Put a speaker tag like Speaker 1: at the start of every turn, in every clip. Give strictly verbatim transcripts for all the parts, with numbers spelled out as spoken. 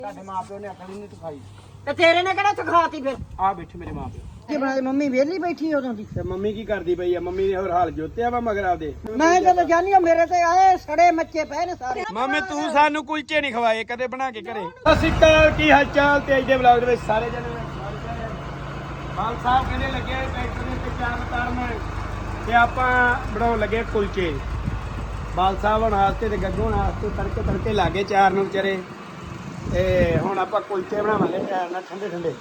Speaker 1: ਤੁਹਾਡੇ ਮਾਪਿਓ ਨੇ ਅਕਲ ਨਹੀਂ ਸਿਖਾਈ
Speaker 2: ਤੇ ਤੇਰੇ ਨੇ ਕਿਹੜਾ ਸਿਖਾਤੀ ਫਿਰ?
Speaker 1: ਆ ਬੈਠੇ ਮੇਰੇ ਮਾਪਿਓ
Speaker 2: ਕੀ ਬਣਾਏ? ਮੰਮੀ ਵਿਹਲੀ ਬੈਠੀ ਉਦੋਂ ਦੀ।
Speaker 1: ਤੇ ਮੰਮੀ ਕੀ ਕਰਦੀ ਪਈ ਆ? ਮੰਮੀ ਨੇ ਹੋਰ ਹਾਲ ਜੋਤਿਆ ਵਾ ਮਗਰ ਆਪਦੇ।
Speaker 2: ਮੈਂ ਜਦੋਂ ਜਾਨੀ ਆ ਮੇਰੇ ਤੇ ਆਏ ਸੜੇ ਮੱਚੇ ਪਏ ਨੇ ਸਾਰੇ।
Speaker 1: ਮਾਮੇ ਤੂੰ ਸਾਨੂੰ ਕੁਲਚੇ ਨਹੀਂ ਖਵਾਏ ਕਦੇ ਬਣਾ ਕੇ ਘਰੇ। ਸਤਿ ਸ਼੍ਰੀ ਅਕਾਲ, ਕੀ ਹਾਲ ਚਾਲ? ਤੇ ਅੱਜ ਦੇ ਵਲੌਗ ਦੇ ਵਿੱਚ ਸਾਰੇ ਜਣੇ ਬਾਲ ਸਾਹਿਬ ਕਹਿੰਦੇ ਲੱਗੇ ਟਰੈਕਟਰ ਦੇ ਤੇ ਚਾਰ ਉਤਾਰਨ ਤੇ ਆਪਾਂ ਬਣਾਉਣ ਲੱਗੇ ਕੁਲਚੇ। ਬਾਲ ਸਾਹਿਬ ਹੁਣ ਵਾਸਤੇ ਤੇ ਗੱਗੂ ਹੁਣ ਵਾਸਤੇ ਤੜਕੇ ਤੜਕੇ ਲਾਗੇ ਚਾਰ ਨੂੰ ਵਿਚਾਰੇ। ਤੇ ਹੁਣ ਆਪਾਂ ਕੁਲਚੇ ਬਣਾਵਾਂਗੇ ਟਾਇਰ ਨਾਲ ਠੰਡੇ ਠੰਡੇ।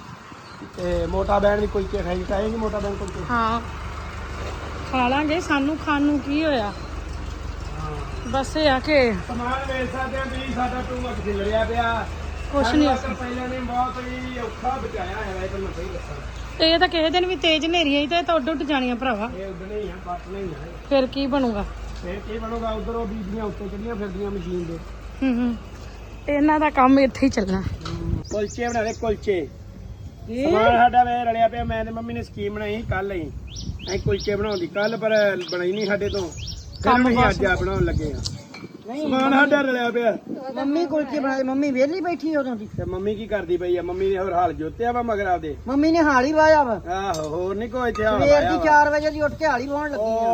Speaker 1: ਤੇ ਮੋਟਾ ਬੈਣ ਵੀ ਕੁਲਚੇ ਖਾਈ ਖਾਏਗੀ ਮੋਟਾ ਬੈਣ ਕੁਲਚੇ।
Speaker 3: ਹਾਂ ਖਾ ਲਾਂਗੇ, ਸਾਨੂੰ ਖਾਣ ਨੂੰ ਕੀ ਹੋਇਆ। ਬਸ ਇਹ ਆ ਕਿ
Speaker 1: ਸਮਾਨ ਵੇਚ ਸਕਦੇ ਆ ਵੀ ਸਾਡਾ ਟੂ ਮੱਕ ਖਿਲਰਿਆ ਪਿਆ।
Speaker 3: ਕੁਛ ਨਹੀਂ
Speaker 1: ਪਹਿਲਾਂ ਨੇ ਬਹੁਤ ਹੀ ਔਖਾ ਬਚਾਇਆ ਹੈ ਇਹ ਮੈਂ ਸਹੀ ਦੱਸਾਂ।
Speaker 3: ਇਹ ਤਾਂ ਕਿਸੇ ਦਿਨ ਵੀ ਤੇਜ਼ ਹਨੇਰੀ ਆਈ ਤੇ ਤਾਂ ਉੱਡ ਉੱਡ ਜਾਣੀਆਂ ਭਰਾਵਾ।
Speaker 1: ਇਹ ਉਦਣੇ ਹੀ ਆ ਬੱਟ ਨਹੀਂ ਆ।
Speaker 3: ਫਿਰ ਕੀ ਬਣੂਗਾ?
Speaker 1: ਫਿਰ ਕੀ ਬਣੂਗਾ? ਉਧਰ ਉਹ ਬੀਬੀਆਂ ਉੱਤੇ ਚੜੀਆਂ ਫਿਰਦੀਆਂ ਮਸ਼ੀਨ ਦੇ।
Speaker 3: ਹੂੰ ਹੂੰ ਇਹਨਾਂ ਦਾ ਕੰਮ ਇੱਥੇ ਹੀ ਚੱਲਣਾ।
Speaker 1: ਕੁਲਚੇ ਬਣਾ ਲੈ ਕੁਲਚੇ। ਸਮਾਨ ਸਾਡਾ ਵੇ ਰਲਿਆ ਪਿਆ। ਮੈਂ ਤੇ ਮੰਮੀ ਨੇ ਸਕੀਮ ਬਣਾਈ ਕੱਲ ਹੀ ਅਸੀਂ ਕੁਲਚੇ ਬਣਾਉਣ ਦੀ, ਕੱਲ ਪਰ ਬਣਾਈ ਨਹੀਂ ਸਾਡੇ ਤੋਂ। ਕੰਮ ਹੀ ਅੱਜ ਆ ਬਣਾਉਣ ਲੱਗੇ ਆ। ਸਮਾਨ ਸਾਡਾ ਰਲਿਆ ਪਿਆ।
Speaker 2: ਮੰਮੀ ਕੁਲਚੇ ਬਣਾਏ, ਮੰਮੀ ਵਿਹਲੀ ਬੈਠੀ ਉਦੋਂ ਦੀ।
Speaker 1: ਤੇ ਮੰਮੀ ਕੀ ਕਰਦੀ ਪਈ ਆ? ਮੰਮੀ ਨੇ ਹੋਰ ਹਾਲ ਜੋਤਿਆ ਵਾ ਮਗਰ ਆਪਦੇ।
Speaker 2: ਮੰਮੀ ਨੇ ਹਾਲੀ ਵਾਇਆ ਵਾ।
Speaker 1: ਆਹੋ ਹੋਰ ਨਹੀਂ ਕੋਈ ਇੱਥੇ ਹਾਲ
Speaker 2: ਸਵੇਰ ਦੀ ਚਾਰ ਵਜੇ ਦੀ ਉੱਠ ਕੇ ਹਾਲੀ ਵਾਉਣ ਲੱਗੀ ਆ।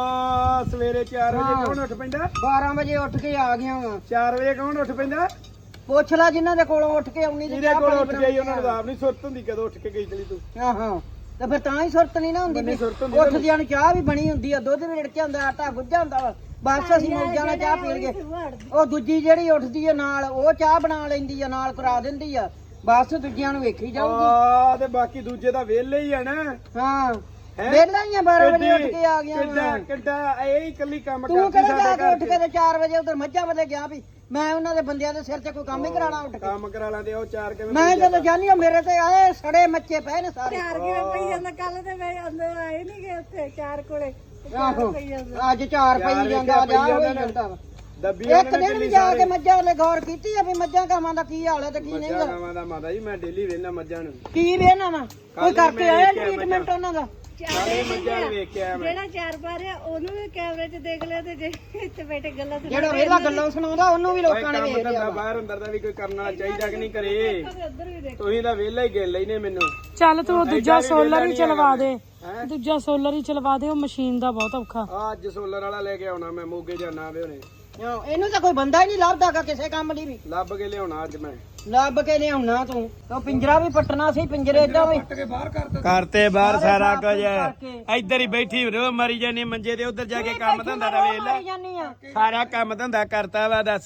Speaker 1: ਓ ਸਵੇਰੇ ਚਾਰ ਵਜੇ ਕੌਣ ਉੱਠ ਪੈਂਦਾ?
Speaker 2: ਬਾਰਾਂ ਵਜੇ ਉੱਠ ਕੇ ਆ ਗਿਆ ਵਾ।
Speaker 1: ਚਾਰ ਵਜੇ ਕੌਣ ਉੱਠ ਪੈਂਦਾ?
Speaker 2: ਪੁੱਛ ਲੈ ਜਿਨ੍ਹਾਂ ਦੇ ਕੋਲੋਂ ਉੱਠ ਕੇ ਆਉਣੀ।
Speaker 1: ਜਿਹਦੇ ਕੋਲ ਉੱਠ ਗਈ ਉਹਨਾਂ ਨੂੰ ਆਪ ਨਹੀਂ ਸੁਰਤ ਹੁੰਦੀ ਕਦੋਂ ਉੱਠ ਕੇ ਗਈ ਚਲੀ ਤੂੰ।
Speaker 2: ਆਹੋ ਤੇ ਫਿਰ ਤਾਂ ਹੀ ਸੁਰਤ ਨਹੀਂ ਨਾ ਹੁੰਦੀ।
Speaker 1: ਬੰਨੀ ਸੁਰਤ ਹੁੰਦੀ
Speaker 2: ਉੱਠਦਿਆਂ ਨੂੰ ਚਾਹ ਵੀ ਬਣੀ ਹੁੰਦੀ ਆ, ਦੁੱਧ ਵੀ ਰਿੜਕਿਆ ਹੁੰਦਾ, ਆਟਾ ਗੁੱਝਾ ਹੁੰਦਾ ਵਾ। ਬਸ ਅਸੀਂ ਮੌਜਾਂ ਨਾਲ ਚਾਹ ਪੀ ਲਈਏ। ਉਹ ਦੂਜੀ ਜਿਹੜੀ ਉੱਠਦੀ ਆ ਨਾਲ ਉਹ ਚਾਹ ਬਣਾ ਲੈਂਦੀ ਆ, ਨਾਲ ਕਰਾ ਦਿੰਦੀ ਆ। ਬਸ ਦੂਜਿਆਂ ਨੂੰ ਵੇਖੀ ਜਾਊਗੀ।
Speaker 1: ਆ ਤੇ ਬਾਕੀ ਦੂਜੇ ਤਾਂ ਵਿਹਲੇ ਹੀ ਆ ਨਾ।
Speaker 2: ਹਾਂ ਵਿਹਲਾ ਹੀ ਆ, ਬਾਰਾਂ ਵਜੇ ਉੱਠ ਕੇ ਆ ਗਿਆ
Speaker 1: ਕਿੱਡਾ ਕਿੱਡਾ ਇਹ ਹੀ ਇਕੱਲੀ ਕੰਮ
Speaker 2: ਤੂੰ
Speaker 1: ਕਰਦੀ
Speaker 2: ਕਿਹੜਾ ਜਾ
Speaker 1: ਸਾਡੇ
Speaker 2: ਕੇ ਉੱਠ
Speaker 1: ਘਰ
Speaker 2: ਕੇ ਤੇ ਚਾਰ ਵਜੇ ਉਧਰ ਮੱਝਾਂ ਵੱਲੇ ਗਿਆ ਵੀ ਮੈਂ ਉਹਨਾਂ ਦੇ ਬੰਦਿਆਂ ਦੇ ਸਿਰ ਤੇ ਕੋਈ ਕੰਮ ਹੀ ਕਰਾਣਾ ਉੱਠ ਕੇ।
Speaker 1: ਕੰਮ ਕਰਾ ਲਾਂਦੇ ਉਹ ਚਾਰ ਕਿਵੇਂ
Speaker 2: ਮੈਂ ਜਦੋਂ ਜਾਨੀ ਆ ਮੇਰੇ ਤੇ ਆਏ ਸੜੇ ਮੱਚੇ ਪਏ ਨੇ ਸਾਰੇ।
Speaker 4: ਚਾਰ ਕਿਵੇਂ ਪਈ ਜਾਂਦਾ? ਕੱਲ ਤੇ ਮੈਂ ਅੰਦਰ ਆਏ ਨਹੀਂ ਗਏ ਉੱਥੇ ਚਾਰ ਕੋਲੇ।
Speaker 2: ਆਹੋ ਅੱਜ ਚਾਰ ਪਈ ਜਾਂਦਾ ਜਾ ਹੋਈ ਜਾਂਦਾ ਵਾ।
Speaker 1: ਦੱਬੀ
Speaker 2: ਇੱਕ ਦਿਨ ਵੀ ਜਾ ਕੇ ਮੱਝਾਂ ਵਾਲੇ ਗੌਰ ਕੀਤੀ ਆ ਵੀ ਮੱਝਾਂ ਕਾਵਾਂ ਦਾ ਕੀ ਹਾਲ ਹੈ ਤੇ ਕੀ ਨਹੀਂ
Speaker 1: ਮੱਝਾਂ ਗਾਵਾਂ ਦਾ ਮਾਤਾ ਜੀ ਮੈਂ ਡੇਲੀ ਵੇਖਣਾ ਮੱਝਾਂ ਨੂੰ।
Speaker 2: ਕੀ ਵੇਨਾ ਵਾ ਕੋਈ ਕਰਕੇ ਆਇਆ ਟ੍ਰੀਟਮੈਂਟ ਉਹਨਾਂ ਦਾ?
Speaker 1: ਸਾਰੇ ਮੱਝਾਂ ਨੂੰ ਵੇਖ ਕੇ ਆਇਆ ਮੈਂ।
Speaker 4: ਜਿਹੜਾ ਚਾਰ ਬਾਰਿਆ ਉਹਨੂੰ ਵੀ ਕੈਮਰੇ 'ਚ ਦੇਖ ਲਿਆ ਤੇ ਜੇ ਇੱਥੇ ਬੈਠੇ ਗੱਲਾਂ ਸੁਣਾ
Speaker 2: ਜਿਹੜਾ ਵੇਲਾ ਗੱਲਾਂ ਸੁਣਾਉਂਦਾ ਉਹਨੂੰ ਵੀ ਲੋਕਾਂ ਨੇ ਵੇਖ ਲਿਆ।
Speaker 1: ਬਾਹਰ ਅੰਦਰ ਦਾ ਵੀ ਕੋਈ ਕਰਨ ਵਾਲਾ ਚਾਹੀਦਾ ਕਿ ਨਹੀਂ ਕਰੇ।
Speaker 4: ਉੱਧਰ ਵੀ ਦੇਖ।
Speaker 1: ਤੁਸੀਂ ਤਾਂ ਵਿਹਲਾ ਹੀ ਗਿਣ ਲੈਨੇ ਮੈਨੂੰ।
Speaker 3: ਚੱਲ ਤੂੰ ਉਹ ਦੂਜਾ ਸੋਲਰ ਹੀ ਚਲਵਾ ਦੇ, ਦੂਜਾ ਸੋਲਰ ਹੀ ਚਲਵਾ ਦੇ। ਉਹ ਮਸ਼ੀਨ ਦਾ ਬਹੁਤ ਔਖਾ।
Speaker 1: ਅੱਜ ਸੋਲਰ ਵਾਲਾ ਲੈ ਕੇ ਆਉਣਾ ਮੈਂ, ਮੋਗੇ ਜਾਣਾ ਵੇ ਉਹਨੇ।
Speaker 2: ਇਹਨੂੰ ਤਾਂ ਕੋਈ ਬੰਦਾ ਹੀ ਨਹੀਂ ਲੱਭਦਾਗਾ ਕਿਸੇ ਕੰਮ ਲਈ ਵੀ।
Speaker 1: ਲੱਭ ਕੇ ਲਿਆਉਣਾ ਅੱਜ ਮੈਂ।
Speaker 2: ਲੱਭ ਕੇ ਲਿਆਉਣਾ ਤੂੰ। ਉਹ ਪਿੰਜਰਾ ਵੀ ਪੱਟਣਾ ਸੀ, ਪਿੰਜਰੇ ਏਦਾਂ ਵੀ
Speaker 1: ਕਰਤੇ ਬਾਹਰ ਸਾਰਾ ਕੁਝ। ਇੱਧਰ ਹੀ ਬੈਠੀ ਰੋ ਮਰੀ ਜਾਨੀ ਮੰਜੇ ਤੇ, ਉਧਰ ਜਾ ਕੇ ਕੰਮ ਧੰਦਾ ਦਾ ਵੇਖ ਲੈ।
Speaker 2: ਜਾਨੀ ਆ
Speaker 1: ਸਾਰਾ ਕੰਮ ਧੰਦਾ ਕਰਤਾ ਵਾ ਦੱਸ।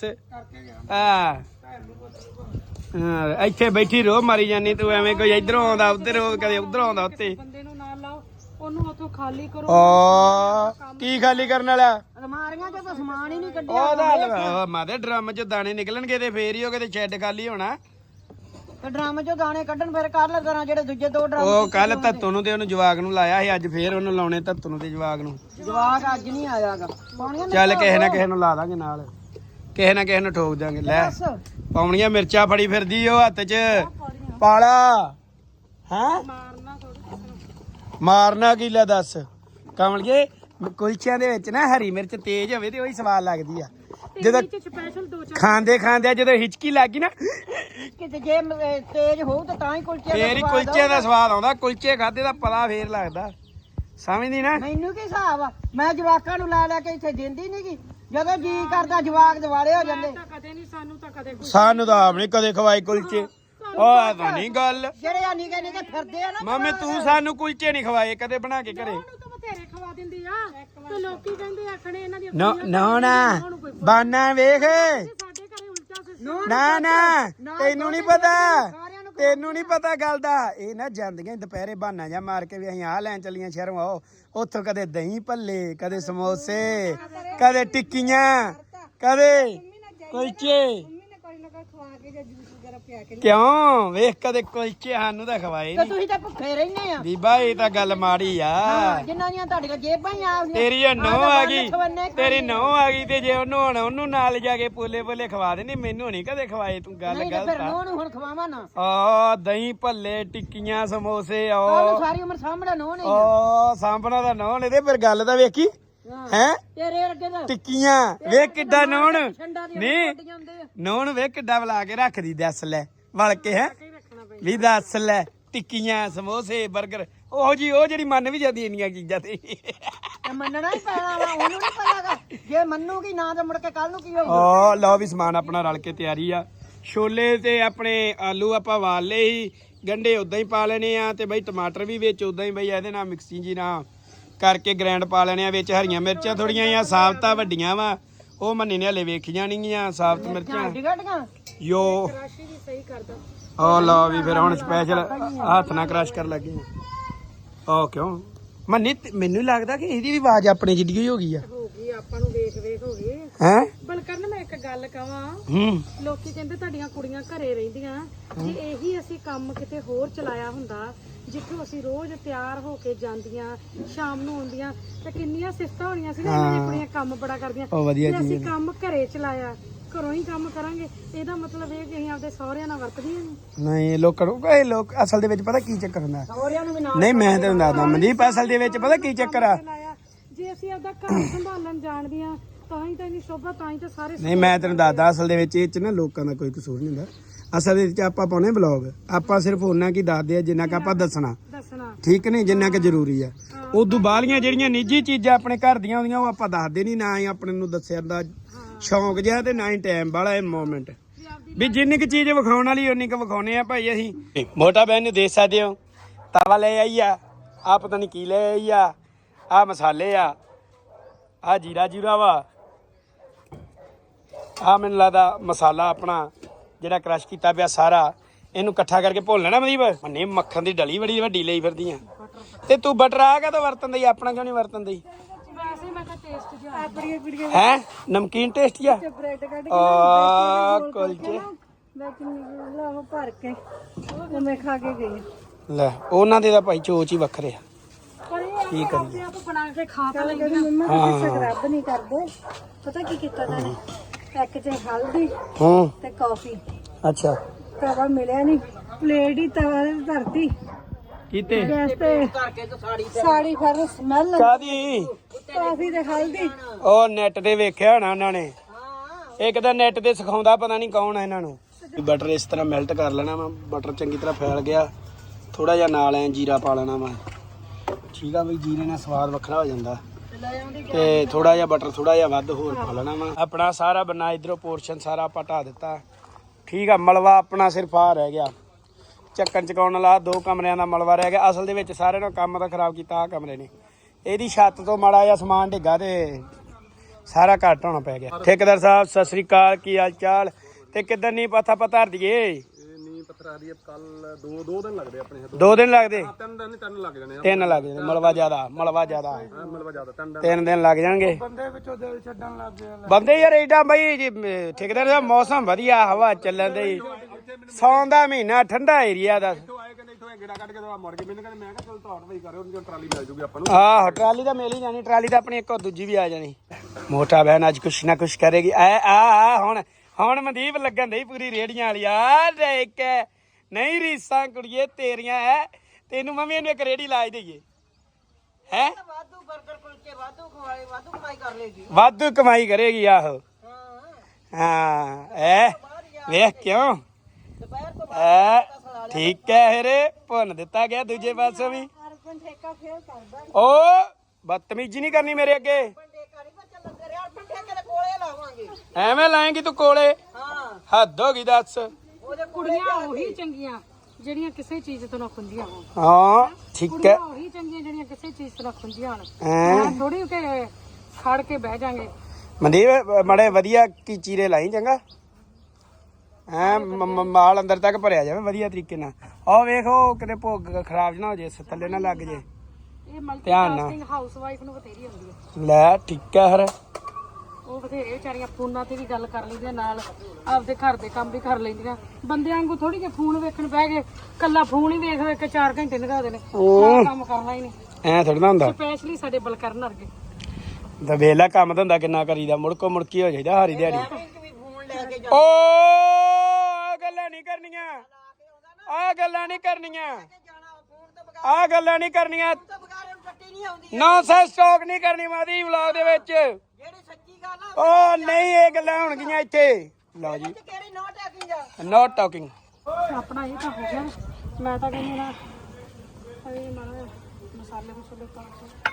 Speaker 1: ਹਾਂ ਹਾਂ ਇੱਥੇ ਬੈਠੀ ਰੋ ਮਰੀ ਜਾਨੀ ਤੂੰ। ਐਵੇਂ ਕੋਈ ਇਧਰੋਂ ਆਉਂਦਾ ਉਧਰ, ਕਦੇ ਉਧਰੋਂ ਆਉਂਦਾ ਉੱਤੇ।
Speaker 3: ਬੰਦੇ ਨੂੰ ਨਾਲ ਲਾਓ, ਉਹਨੂੰ ਉੱਥੋਂ ਖਾਲੀ ਕਰੋ।
Speaker 1: ਓ ਕੀ ਖਾਲੀ ਕਰਨ ਵਾਲਾ?
Speaker 2: ਅਲਮਾਰੀਆਂ ਚੋਂ ਤਾਂ ਸਮਾਨ ਹੀ ਨਹੀਂ ਕੱਢਿਆ।
Speaker 1: ਉਹਦਾ ਮਾਦੇ ਡਰਮ ਚ ਦਾਣੇ ਨਿਕਲਣਗੇ ਤੇ ਫੇਰ ਹੀ ਉਹ ਕਿਤੇ ਸ਼ੈੱਡ ਖਾਲੀ ਹੋਣਾ।
Speaker 2: ਤੇ ਡਰਮ ਚੋਂ ਦਾਣੇ ਕੱਢਣ ਫਿਰ ਕਰ ਲੈ ਕਰਾਂ ਜਿਹੜੇ ਦੂਜੇ ਦੋ ਡਰਮ।
Speaker 1: ਉਹ ਕੱਲ ਧੱਤੂ ਨੂੰ ਤੇ ਉਹਨੂੰ ਜਵਾਗ ਨੂੰ ਲਾਇਆ ਸੀ, ਅੱਜ ਫੇਰ ਉਹਨੂੰ ਲਾਉਣੇ ਧੱਤੂ ਨੂੰ ਤੇ ਜਵਾਗ ਨੂੰ।
Speaker 2: ਜਵਾਕ ਅੱਜ ਨਹੀਂ ਆਇਆਗਾ। ਪਾਉਣੀਆਂ
Speaker 1: ਚੱਲ ਕਿਸੇ ਨਾ ਕਿਸੇ ਨੂੰ ਲਾ ਦਾਂਗੇ ਨਾਲ, ਕਿਸੇ ਨਾ ਕਿਸੇ ਨੂੰ ਠੋਕ ਦਾਂਗੇ। ਲੈ ਪਾਉਣੀਆਂ ਮਿਰਚਾਂ ਫੜੀ ਫਿਰਦੀ ਉਹ ਹੱਥ 'ਚ ਪਾਲਾ। ਹੈਂ ਮਾਰਨਾ ਕੀ? ਲੈ ਦੱਸ ਕਮਲਗੇ, ਕੁਲਚਿਆਂ ਦੇ ਵਿੱਚ ਨਾ ਹਰੀ ਮਿਰਚ ਤੇਜ਼ ਹੋਵੇ ਤੇ ਉਹੀ ਸਵਾਦ ਲੱਗਦੀ ਆ। ਜਦੋਂ
Speaker 3: ਸਪੈਸ਼ਲ ਦੋ
Speaker 1: ਖਾਂਦੇ ਖਾਂਦੇ ਜਦੋਂ ਹਿਚਕੀ ਲੱਗ ਗਈ ਨਾ
Speaker 2: ਕਿਤੇ ਜੇ ਮ- ਤੇਜ਼ ਹੋਊ ਤਾਂ ਤਾਂ ਹੀ ਕੁਲਚੇ
Speaker 1: ਫੇਰ ਹੀ ਕੁਲਚੇ ਦਾ ਸਵਾਦ ਆਉਂਦਾ। ਕੁਲਚੇ ਖਾਦੇ ਦਾ ਪਤਾ ਫੇਰ ਲੱਗਦਾ। ਸਮਝਦੀ ਨਾ?
Speaker 2: ਮੈਨੂੰ ਕੀ ਹਿਸਾਬ ਆ? ਮੈਂ ਜਵਾਕਾਂ ਨੂੰ ਲੈ ਲੈ ਕੇ ਇੱਥੇ ਦਿੰਦੀ ਨੀ ਗੀ। ਜਦੋਂ ਜੀ ਕਰਦਾ ਜਵਾਕ ਦਿਵਾਲੇ ਹੋ ਜਾਂਦੇ।
Speaker 3: ਕਦੇ ਨਹੀਂ, ਸਾਨੂੰ ਤਾਂ ਕਦੇ
Speaker 1: ਸਾਨੂੰ ਤਾਂ ਆਪ ਨੀ ਕਦੇ ਖਵਾਈ ਕੁਲਚੇ। ਉਹ ਤਾਂ ਨਹੀਂ ਗੱਲ।
Speaker 2: ਜਿਹੜੇ ਆ ਨਿੱਕੇ ਨਿੱਕੇ ਫਿਰਦੇ ਆ ਨਾ
Speaker 1: ਮਾਮੇ ਤੂੰ ਸਾਨੂੰ ਕੁਲਚੇ ਨਹੀਂ ਖਵਾਏ ਕਦੇ ਬਣਾ ਕੇ ਘਰੇ।
Speaker 3: ਉਹਨੂੰ ਤਾਂ ਬਥੇਰੇ ਖਵਾ ਦਿੰਦੀ ਆ ਤੇ ਲੋਕੀ ਕਹਿੰਦੇ ਆਖਣੇ ਇਹਨਾਂ ਦੀ
Speaker 1: ਨਾ ਨਾ ਨਾ ਬਾਨਾ ਵੇਖ।
Speaker 3: ਸਾਡੇ ਘਰੇ ਉਲਟਾ ਸਿਸਟਮ।
Speaker 1: ਨਾ ਨਾ ਤੈਨੂੰ ਨਹੀਂ ਪਤਾ, ਤੈਨੂੰ ਨਹੀਂ ਪਤਾ ਗੱਲ ਦਾ। ਇਹ ਨਾ ਜਾਂਦੀਆਂ ਦੁਪਹਿਰੇ ਬਹਾਨਾ ਜਾਂ ਮਾਰ ਕੇ ਵੀ ਅਸੀਂ ਆਹ ਲੈਣ ਚੱਲੀਆਂ ਸ਼ਹਿਰੋਂ। ਆਓ ਉੱਥੋਂ ਕਦੇ ਦਹੀਂ ਭੱਲੇ, ਕਦੇ ਸਮੋਸੇ, ਕਦੇ ਟਿੱਕੀਆਂ, ਕਦੇ ਕੁਲਚੇ।
Speaker 4: ਮੰਮੀ ਨੇ ਕੋਈ ਨਾ ਕੋਈ ਖਵਾ ਕੇ ਜਾਂ ਜੂਸ ਵਗੈਰਾ ਪਿਆ ਕੇ।
Speaker 1: ਕਿਉਂ ਵੇਖ ਕਦੇ ਕੁਲਚੇ ਸਾਨੂੰ ਤਾਂ ਖਵਾਏ
Speaker 2: ਤੇ
Speaker 1: ਨਹੀਂ।
Speaker 2: ਤੁਸੀਂ ਤਾਂ ਭੁੱਖੇ ਰਹਿੰਦੇ ਆ
Speaker 1: ਬੀਬਾ ਇਹ ਤਾਂ ਗੱਲ ਮਾੜੀ ਆ।
Speaker 2: ਜਿੰਨਾਂ ਦੀਆਂ ਤੁਹਾਡੀਆਂ ਜੇਬਾਂ ਹੀ ਆ
Speaker 1: ਤੇਰੀ ਇਹ ਨਹੁੰ ਆ ਗਈ, ਤੇਰੀ ਨਹੁੰ ਆ ਗਈ ਤੇ ਜੇ ਉਹਨੂੰ ਹੁਣ ਉਹਨੂੰ ਨਾਲ ਜਾ ਕੇ ਪੋਲੇ ਪੋਲੇ ਖਵਾ ਦੇਣੀ। ਮੈਨੂੰ ਨਹੀਂ ਕਦੇ ਖਵਾਏ। ਤੂੰ ਗੱਲ
Speaker 2: ਨਹੀਂ ਤੇ
Speaker 1: ਗਲਤ
Speaker 2: ਫਿਰ
Speaker 1: ਆ।
Speaker 2: ਨੋਹ ਨੂੰ ਹੁਣ ਖਵਾਵਾਂ ਨਾ।
Speaker 1: ਆ ਦਹੀਂ ਭੱਲੇ, ਟਿੱਕੀਆਂ, ਸਮੋਸੇ।
Speaker 2: ਉਹਨੂੰ
Speaker 1: ਆ
Speaker 2: ਸਾਰੀ ਉਮਰ ਸਾਹਮਣਾ ਨੋਹ ਨਹੀਂ।
Speaker 1: ਆ ਸਾਂਭਣਾ ਦਾ ਨਹੁੰ ਇਹਦੇ। ਫਿਰ ਗੱਲ ਤਾਂ ਵੇਖੀ ਹੈ
Speaker 2: ਤੇਰੇ ਵਰਗੇ ਦਾ
Speaker 1: ਟਿੱਕੀਆਂ ਵੇਖ ਕਿੱਡਾ ਨੌਣ
Speaker 2: ਠੰਡਾ ਦੀ
Speaker 1: ਨਹੀਂ
Speaker 2: ਜਾਂਦੇ ਆ।
Speaker 1: ਨੌਣ ਵੇਖ ਕਿੱਡਾ ਬੁਲਾ ਕੇ ਰੱਖਦੀ ਦੱਸ ਲੈ ਵਲ ਕੇ ਹੈ ਵੀ ਦੱਸ ਲੈ ਟਿੱਕੀਆਂ ਸਮੋਸੇ 버ਗਰ ਉਹ ਜੀ ਉਹ ਜਿਹੜੀ ਮੰਨ ਵੀ ਜਾਂਦੀ ਇੰਨੀਆਂ ਚੀਜ਼ਾਂ ਤੇ
Speaker 2: ਤੇ ਮੰਨਣਾ ਹੀ ਪੈਣਾ ਵਾ ਉਹਨੂੰ ਨਹੀਂ ਪਤਾਗਾ ਜੇ ਮੰਨੂਗੀ ਨਾ ਤਾਂ ਮੁੜ ਕੇ ਕੱਲ ਨੂੰ ਕੀ ਹੋਊਗਾ।
Speaker 1: ਓ ਲਓ ਵੀ ਸਮਾਨ ਆਪਣਾ ਰਲ ਕੇ ਤਿਆਰੀ ਆ ਛੋਲੇ ਤੇ ਆਪਣੇ ਆਲੂ ਆਪਾਂ ਵਾਲ ਲਏ ਸੀ ਗੰਢੇ ਉਦਾਂ ਹੀ ਪਾ ਲੈਣੇ ਆ ਤੇ ਬਈ ਟਮਾਟਰ ਵੀ ਵਿੱਚ ਉਦਾਂ ਹੀ ਬਈ ਇਹਦੇ ਨਾਲ ਮਿਕਸਿੰਗ ਜੀ ਨਾਲ ਕਰਕੇ ਗ੍ਰਾਈਂਡ ਪਾ ਲੈਣੇ ਆ ਵਿੱਚ ਹਰੀਆਂ ਮਿਰਚਾਂ ਥੋੜੀਆਂ ਆ ਸਾਬਤਾ ਵੱਡੀਆਂ ਵਾ ਉਹ ਮੰਨੀ ਨੇ ਹਲੇ ਵੇਖ ਜਾਣਗੀਆਂ ਸਾਬਤ ਮਿਰਚਾਂ
Speaker 2: ਗੱਡੀਆਂ
Speaker 1: ਯੋ ਓ ਲਓ ਵੀ ਫਿਰ ਹੁਣ ਸਪੈਸ਼ਲ ਹੱਥ ਨਾਲ ਕ੍ਰਸ਼ ਕਰ ਲੱਗੇ ਓ ਕਿਉਂ ਮੰਨੀ ਮੈਨੂੰ ਲੱਗਦਾ ਕਿ ਇਹਦੀ ਵੀ ਆਵਾਜ਼ ਆਪਣੇ ਜਿੱਡੀ ਹੀ ਹੋ ਗਈ ਆ
Speaker 3: ਹੋ ਗਈ ਆਪਾਂ ਨੂੰ ਵੇਖ ਵੇਖ ਹੋ ਗਈ
Speaker 1: ਹੈ
Speaker 3: ਬਲਕਰਨ ਮੈਂ ਇੱਕ ਗੱਲ ਕਵਾਂ
Speaker 1: ਹੂੰ
Speaker 3: ਲੋਕੀ ਕਹਿੰਦੇ ਤੁਹਾਡੀਆਂ ਕੁੜੀਆਂ ਘਰੇ ਰਹਿੰਦੀਆਂ ਜੇ ਇਹੀ ਅਸੀਂ ਕੰਮ ਕਿਤੇ ਹੋਰ ਚਲਾਇਆ ਹੁੰਦਾ ਜਿੱਥੋਂ ਅਸੀਂ ਰੋਜ਼ ਤਿਆਰ ਹੋ ਕੇ ਜਾਂਦੀਆਂ ਸ਼ਾਮ ਨੂੰ ਆਉਂਦੀਆਂ ਤੇ ਕਿੰਨੀਆਂ ਸਿਫਤਾਂ ਹੋਣੀਆਂ ਸੀ ਨਾ ਇਹਨਾਂ ਦੀਆਂ ਕੁੜੀਆਂ ਕੰਮ ਬੜਾ ਕਰਦੀਆਂ
Speaker 1: ਉਹ ਵਧੀਆ
Speaker 3: ਜੇ
Speaker 1: ਚੀਜ਼
Speaker 3: ਅਸੀਂ ਕੰਮ ਘਰੇ ਚਲਾਇਆ ਘਰੋਂ ਹੀ ਕੰਮ ਕਰਾਂਗੇ ਇਹਦਾ ਮਤਲਬ ਇਹ ਕਿ ਅਸੀਂ ਆਪਦੇ ਸਹੁਰਿਆਂ ਨਾਲ ਵਰਤਦੀਆਂ ਨਹੀਂ
Speaker 1: ਨਹੀਂ ਲੋਕਾਂ ਨੂੰ ਇਹ ਲੋਕ ਅਸਲ ਦੇ ਵਿੱਚ ਪਤਾ ਕੀ ਚੱਕਰ ਹੁੰਦਾ
Speaker 2: ਸਹੁਰਿਆਂ ਨੂੰ ਵੀ ਨਾਲ
Speaker 1: ਨਹੀਂ ਮੈਂ ਤੈਨੂੰ ਦੱਸਦਾ ਮਨਦੀਪ ਅਸਲ ਦੇ ਵਿੱਚ ਪਤਾ ਕੀ ਚੱਕਰ ਆ
Speaker 3: ਲਾਇਆ ਜੇ ਅਸੀਂ ਆਪਦਾ ਘਰ ਸੰਭਾਲਣ ਜਾਣਦੀਆਂ ਤਾਂ ਹੀ ਤਾਂ ਇੰਨੀ ਸ਼ੋਭਾ ਤਾਂ ਹੀ ਤਾਂ ਸਾਰੇ
Speaker 1: ਨਹੀਂ ਮੈਂ ਤੈਨੂੰ ਦੱਸਦਾ ਅਸਲ ਦੇ ਵਿੱਚ ਇਹ ਚ ਨਾ ਲੋਕਾਂ ਦਾ ਕੋਈ ਕਸੂਰ ਨਹੀਂ ਹੁੰਦਾ ਅਸਲ ਦੇ ਵਿੱਚ ਆਪਾਂ ਪਾਉਣੇ ਵਲੌਗ ਆਪਾਂ ਸਿਰਫ ਉਹਨਾਂ ਕੀ ਦੱਸਦੇ ਆ ਜਿੰਨਾ ਕਿ ਆਪਾਂ ਦੱਸਣਾ
Speaker 3: ਦੱਸਣਾ
Speaker 1: ਠੀਕ ਨਹੀਂ ਜਿੰਨਾ ਕਿ ਜ਼ਰੂਰੀ ਆ ਉਦੋਂ ਬਾਹਲੀਆਂ ਜਿਹੜੀਆਂ ਨਿੱਜੀ ਚੀਜ਼ਾਂ ਆਪਣੇ ਘਰ ਦੀਆਂ ਹੁੰਦੀਆਂ ਉਹ ਆਪਾਂ ਦੱਸਦੇ ਨਹੀਂ ਨਾ ਹੀ ਆਪਣੇ ਨੂੰ ਦੱਸਿਆ ਦਾ ਸ਼ੌਂਕ ਜਿਹਾ ਤੇ ਨਾ ਹੀ ਟਾਈਮ ਵਾਲਾ ਇਹ ਮੂਮੈਂਟ ਵੀ ਜਿੰਨੀ ਕੁ ਚੀਜ਼ ਵਿਖਾਉਣ ਵਾਲੀ ਉਨੀ ਕੁ ਵਿਖਾਉਣੇ ਆ ਭਾਈ ਅਸੀਂ ਮੋਟਾ ਬਹਿਨ ਨੂੰ ਦੇਖ ਸਕਦੇ ਹੋ ਤਵਾ ਲੈ ਆਈ ਆ ਆ ਪਤਾ ਨਹੀਂ ਕੀ ਲੈ ਆਈ ਆ ਆ ਮਸਾਲੇ ਆ ਆ ਜੀਰਾ ਜੀਰਾ ਵਾ ਆ ਮੈਨੂੰ ਲੱਗਦਾ ਮਸਾਲਾ ਆਪਣਾ ਜਿਹੜਾ ਕ੍ਰਸ਼ ਕੀਤਾ ਪਿਆ ਸਾਰਾ ਇਹਨੂੰ ਇਕੱਠਾ ਕਰਕੇ ਭੁੰਨ ਲੈਣਾ ਮਦੀਪ ਮੰਨੇ ਮੱਖਣ ਦੀ ਡਲੀ ਬੜੀ ਵੱਡੀ ਲਈ ਫਿਰਦੀ ਆ ਤੇ ਤੂੰ ਬਟਰ ਆ ਕਾ ਤਾਂ ਵਰਤਨ ਦੀ ਆਪਣਾ ਕਿਉਂ ਨਹੀਂ ਵਰਤਨ ਦੀ
Speaker 3: ਵੈਸੇ ਮੈਂ ਤਾਂ ਟੇਸਟ ਜਿਹਾ ਆਪਣੀਆਂ ਕੁੜੀਆਂ
Speaker 1: ਹੈ ਨਮਕੀਨ ਟੇਸਟ ਆ
Speaker 3: ਬ੍ਰੈਡ ਕੱਢ
Speaker 1: ਆ ਕੁਲਚੇ
Speaker 3: ਮੈਂ ਕਿੰਨੀ ਲਾਵਾ ਭਰ ਕੇ ਉਹ ਮੈਂ ਖਾ ਕੇ ਗਈ
Speaker 1: ਲੈ ਉਹਨਾਂ ਦੇ ਤਾਂ ਭਾਈ ਚੋਚ ਹੀ ਵੱਖਰੇ ਆ
Speaker 3: ਪਰ ਇਹ
Speaker 1: ਕੀ ਕਰੀਏ
Speaker 3: ਆਪ ਬਣਾ ਕੇ ਖਾ ਤਾਂ ਲੈਂਦੇ
Speaker 4: ਮੰਮਾ
Speaker 1: ਹਾਂ
Speaker 4: ਸਕਰਬ ਨਹੀਂ ਕਰਦੇ ਪਤਾ ਕੀ ਕੀਤਾ ਇਹਨਾਂ ਨੇ ਇੱਕ ਚ ਹਲਦੀ
Speaker 1: ਹੂੰ
Speaker 4: ਤੇ ਕਾਫੀ
Speaker 1: ਅੱਛਾ
Speaker 4: ਤਵਾ ਮਿਲਿਆ ਨਹੀਂ ਪਲੇਟ ਹੀ ਤਵਾ ਤੇ ਧਰਤੀ
Speaker 1: ਕੀਤੇ
Speaker 4: ਗੈਸ ਤੇ
Speaker 2: ਕਰਕੇ ਤੇ ਸਾੜੀ
Speaker 4: ਸਾੜੀ ਫਿਰ ਸਮੈਲ
Speaker 1: ਕਾਦੀ
Speaker 4: ਕਾਫੀ ਤੇ ਹਲਦੀ
Speaker 1: ਉਹ ਨੈਟ ਤੇ ਵੇਖਿਆ ਹੋਣਾ ਉਹਨਾਂ ਨੇ ਇੱਕ ਤਾਂ ਨੈਟ ਤੇ ਸਿਖਾਉਂਦਾ ਪਤਾ ਨਹੀਂ ਕੌਣ ਆ ਇਹਨਾਂ ਨੂੰ ਬਟਰ ਇਸ ਤਰ੍ਹਾਂ ਮੈਲਟ ਕਰ ਲੈਣਾ ਵਾ ਬਟਰ ਚੰਗੀ ਤਰ੍ਹਾਂ ਫੈਲ ਗਿਆ ਥੋੜਾ ਜਿਹਾ ਨਾਲ ਐ ਜੀਰਾ ਪਾ ਲੈਣਾ ਵਾ ਠੀਕ ਆ ਬਈ ਜੀਰੇ ਨਾਲ ਸਵਾਦ ਵੱਖਰਾ ਹੋ ਜਾਂਦਾ ਤੇ ਥੋੜਾ ਜਿਹਾ ਬਟਰ ਥੋੜਾ ਜਿਹਾ ਵੱਧ ਹੋਰ ਪਾ ਲੈਣਾ ਵਾ ਆਪਣਾ ਸਾਰਾ ਬਣਾ ਇਧਰੋਂ ਪੋਰਸ਼ਨ ਸਾਰਾ ਆਪਾਂ ਢਾ ਦਿੱਤਾ ਠੀਕ ਆ ਮਲਵਾ ਆਪਣਾ ਸਿਰਫ ਆ ਰਹਿ ਗਿਆ ਚੱਕਣ ਚਕਾਉਣ ਵਾਲਾ ਦੋ ਕਮਰਿਆਂ ਦਾ ਮਲਵਾ ਰਹਿ ਗਿਆ ਅਸਲ ਦੇ ਵਿੱਚ ਸਾਰਿਆਂ ਨੂੰ ਕੰਮ ਤਾਂ ਖਰਾਬ ਕੀਤਾ ਆ ਕਮਰੇ ਨੇ ਇਹਦੀ ਛੱਤ ਤੋਂ ਮਾੜਾ ਜਿਹਾ ਸਮਾਨ ਡਿੱਗਾ ਤੇ ਸਾਰਾ ਘਰ ਢਾਉਣਾ ਪੈ ਗਿਆ ਠੇਕੇਦਾਰ ਸਾਹਿਬ ਸਤਿ ਸ੍ਰੀ ਅਕਾਲ ਕੀ ਹਾਲ ਚਾਲ ਤੇ ਕਿੱਦਾਂ ਨੀ ਪੱਥਾ ਪੱਥਾ ਧਰ ਦਈਏ
Speaker 5: ਨੀ ਪੱਥਰ ਦੀ ਕੱਲ ਦੋ ਦੋ ਦਿਨ ਲੱਗਦੇ ਆਪਣੇ
Speaker 1: ਦੋ ਦਿਨ ਲੱਗਦੇ
Speaker 5: ਤਿੰਨ ਦਿਨ ਤਿੰਨ ਲੱਗ ਜਾਣੇ
Speaker 1: ਤਿੰਨ ਲੱਗ ਜਾਣੇ ਮਲਵਾ ਜ਼ਿਆਦਾ ਮਲਵਾ ਜ਼ਿਆਦਾ
Speaker 5: ਆ ਮਲਵਾ ਜ਼ਿਆਦਾ ਤਿੰਨ ਦਿਨ
Speaker 1: ਤਿੰਨ ਦਿਨ ਲੱਗ ਜਾਣਗੇ
Speaker 5: ਬੰਦੇ ਵਿੱਚੋਂ ਦਿਲ ਛੱਡਣ ਲੱਗ ਗਏ
Speaker 1: ਬੰਦੇ ਯਾਰ ਏਡਾ ਬਈ ਜੀ, ਅਮ, ਠੇਕੇਦਾਰ ਸਾਹਿਬ ਮੌਸਮ ਵਧੀਆ ਹਵਾ ਚੱਲਣ ਦੀ ਸੌਣ ਦਾ ਮਹੀਨਾ ਠੰਡਾ ਏਰੀਆ ਦਾ
Speaker 5: ਇੱਥੋਂ ਆਏ ਕਹਿੰਦੇ ਇੱਥੋਂ ਗੇੜਾ ਕੱਢ ਕੇ ਦਵਾ ਮੁੜ ਕੇ ਮੈਨੂੰ ਕਹਿੰਦੇ ਮੈਂ ਕਿਹਾ ਚਲ ਤੁਹਾਡੇ ਵਈ ਕਰਿਓ ਉਹਨਾਂ ਟਰਾਲੀ ਮਿਲ ਜੂਗੀ ਆਪਾਂ ਨੂੰ
Speaker 1: ਆਹ ਟਰਾਲੀ ਤਾਂ ਮਿਲ ਹੀ ਜਾਣੀ ਟਰਾਲੀ ਤਾਂ ਆਪਣੀ ਇੱਕ ਹੋਰ ਦੂਜੀ ਵੀ ਆ ਜਾਣੀ ਮੋਟਾ ਬਹਿਨ ਅੱਜ ਕੁਛ ਨਾ ਕੁਛ ਕਰੇਗੀ ਐ ਆ ਆ ਹੁਣ ਹੁਣ ਮਨਦੀਪ ਲੱਗਣ ਦੀ ਪੂਰੀ ਰੇੜੀਆਂ ਵਾਲੀ ਆ ਦੇਖ ਨਹੀਂ ਰੀਸਾਂ ਕੁੜੀਏ ਤੇਰੀਆਂ ਐ ਤੈਨੂੰ ਮੰਮੀ ਇਹਨੂੰ ਇੱਕ ਰੇੜੀ ਲਾਜ ਦਈਏ ਹੈ
Speaker 2: ਵਾਧੂ 버ਗਰ ਕੁਲਚੇ ਵਾਧੂ ਖਵਾਏ ਵਾਧੂ ਕਮਾਈ ਕਰ ਲੇਗੀ
Speaker 1: ਵਾਧੂ ਕਮਾਈ ਕਰੇਗੀ ਆਹੋ
Speaker 2: ਹਾਂ
Speaker 1: ਹਾਂ ਐ ਵੇਖ ਕਿਉਂ
Speaker 2: ਦੁਪਹਿਰ ਤੋਂ
Speaker 1: ਐ ਠੀਕ ਹੈ ਹਰੇ ਭੁੰਨ ਦਿੱਤਾ ਗਿਆ ਦੂਜੇ ਪਾਸੋਂ ਵੀ
Speaker 4: ਅਰਪਨ ਠੇਕਾ ਫੇਰ ਕਰਦਾ
Speaker 1: ਓ ਬਦਤਮੀਜ਼ੀ ਨਹੀਂ ਕਰਨੀ ਮੇਰੇ ਅੱਗੇ
Speaker 2: ਬੰਦੇ ਕਰੀ ਬੱਚਾ ਲੱਗੇ ਰਿਆ ਬੰਦੇ ਕਿਹਦੇ ਕੋਲੇ ਲਾਵਾਂਗੇ
Speaker 1: ਐਵੇਂ ਲਾਏਂਗੀ ਤੂੰ ਕੋਲੇ
Speaker 2: ਹਾਂ
Speaker 1: ਹੱਦ ਹੋ ਗਈ ਦੱਸ
Speaker 2: ਉਹਦੇ
Speaker 3: ਕੁੜੀਆਂ ਉਹੀ ਚੰਗੀਆਂ ਜਿਹੜੀਆਂ ਕਿਸੇ ਚੀਜ਼ ਤੋਂ ਨਾ ਖੁੰਝੀਆਂ ਹੋਣ
Speaker 1: ਹਾਂ ਠੀਕ ਹੈ
Speaker 3: ਕੁੜੀਆਂ ਉਹੀ ਚੰਗੀਆਂ ਜਿਹੜੀਆਂ ਕਿਸੇ ਚੀਜ਼ ਤੋਂ ਨਾ ਖੁੰਝੀਆਂ ਹੋਣ
Speaker 1: ਹੈਂ
Speaker 3: ਥੋੜੀ ਕਿ ਖੜ ਕੇ ਬਹਿ ਜਾਾਂਗੇ
Speaker 1: ਮਨਦੀਪ ਮੜੇ ਵਧੀਆ ਕੀ ਚੀਰੇ ਲਾਈ ਚੰਗਾ ਐ ਮਾਲ ਅੰਦਰ ਤੱਕ ਭਰਿਆ ਜਾਵੇ ਵਧੀਆ ਤਰੀਕੇ ਨਾਲ ਆਹ ਵੇਖੋ ਕਿਤੇ ਭੁੱਗ ਖਰਾਬ ਨਾ ਹੋ ਜੇ ਥੱਲੇ ਨਾ ਲੱਗ ਜੇ
Speaker 3: ਇਹ
Speaker 1: ਧਿਆਨ ਨਾਲ।
Speaker 3: ਮਲਟੀਟਾਸਕਿੰਗ ਹਾਊਸ ਵਾਈਫ ਨੂੰ ਬਥੇਰੀ ਹੁੰਦੀ ਹੈ
Speaker 1: ਲੈ ਠੀਕ ਹੈ ਹਰ
Speaker 3: ਉਹ ਬਥੇਰੇ ਵਿਚਾਰੀਆਂ ਫੋਨਾਂ ਤੇ ਵੀ ਗੱਲ ਕਰ ਲੈਂਦੀਆਂ ਨਾਲ ਆਪਦੇ ਘਰ ਦੇ ਕੰਮ ਵੀ ਕਰ ਲੈਂਦੀਆਂ ਬੰਦਿਆਂ ਵਾਂਗੂ ਥੋੜੀ ਜਿਹੀ ਫੋਨ ਵੇਖਣ ਬਹਿ ਗਏ ਕੱਲਾ ਫੋਨ ਹੀ ਵੇਖ ਵੇਖ ਕੇ ਚਾਰ ਘੰਟੇ ਲਗਾ ਦੇਣੇ ਸਾਰਾ ਕੰਮ ਕਰਨਾ ਹੀ ਨਹੀਂ
Speaker 1: ਐ ਥੋੜਾ ਨਾ ਹੁੰਦਾ
Speaker 3: ਸਪੈਸ਼ਲੀ ਸਾਡੇ ਬਲਕਰਨ ਵਰਗੇ
Speaker 1: ਤਾਂ ਵੇਲਾ ਕੰਮ ਧੰਦਾ ਕਿੰਨਾ ਕਰੀਦਾ ਮੁੜਕੋ ਮੁੜਕੀ ਹੋ ਜਾਈਦਾ ਹਾਰੀ ਦਿਹਾੜੀ
Speaker 2: ਵੀ ਫੋਨ ਲੈ ਕੇ
Speaker 1: ਓ ਆਹ ਗੱਲਾਂ ਨਹੀਂ ਕਰਨੀਆਂ ਆ ਗੱਲਾਂ ਨਹੀਂ ਕਰਨੀਆਂ
Speaker 2: ਜਾਣਾ ਫੋਨ ਤੋਂ ਬਗੈਰ
Speaker 1: ਆ ਗੱਲਾਂ ਨਹੀਂ ਕਰਨੀਆਂ
Speaker 2: ਤੋਂ ਬਗੈਰ ਟੱਟੀ ਨਹੀਂ ਆਉਂਦੀ
Speaker 1: ਨੌ ਸੈਂਸ ਸਟਾਕ ਨਹੀਂ ਕਰਨੀ ਮਾਦੀ ਵਲੌਗ ਦੇ ਵਿੱਚ।
Speaker 2: ਜਿਹੜੀ ਸੱਚੀ ਗੱਲ ਆ
Speaker 1: ਉਹ ਨਹੀਂ ਇਹ ਗੱਲਾਂ ਹੋਣਗੀਆਂ ਇੱਥੇ। ਲਓ ਜੀ
Speaker 2: ਤੇ ਕਿਹੜੀ ਨੋਟ ਆ ਕੀ ਆ
Speaker 1: ਨੋਟ ਟਾਕਿੰਗ।
Speaker 3: ਆਪਣਾ ਇਹ ਤਾਂ ਹੋ ਗਿਆ। ਮੈਂ ਤਾਂ ਕਹਿੰਦੀ ਨਾ ਅਰੇ ਮਾਰਾ ਮਸਾਲੇ ਮਸਾਲੇ ਪਾ ਕੇ